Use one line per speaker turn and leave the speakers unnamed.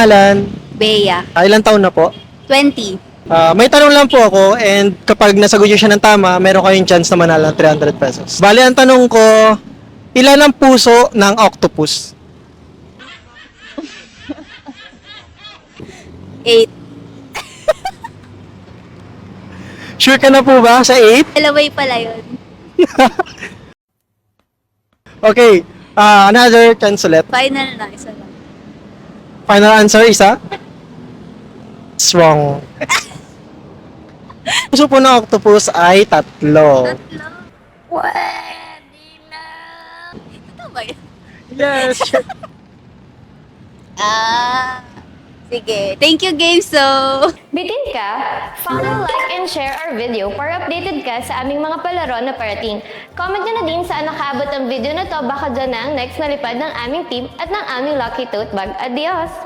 pangalan?
Bea.
Ilang taon na po?
20.
May tanong lang po ako and kapag nasagot niyo siya ng tama, meron kayong chance na manalo ng 300 pesos. Bali, ang tanong ko, ilan ang puso ng octopus?
8.
Sure ka na po ba sa 8?
Dalaway pala yun.
Okay, another chance ulit.
Final na, isa lang.
Final answer, isa? It's wrong. Puso po ng octopus ay 3.
Tatlo. Pwede na. Ito ba yun?
Yes.
Sige. Thank you, Gameso.
Bitin ka? Follow, like, and share our video para updated ka sa aming mga palaro na parating. Comment nyo na din saan nakaabot ang video na to, baka dyan na ang next na lipad ng aming team at ng aming Lucky Tote Bag. Adios!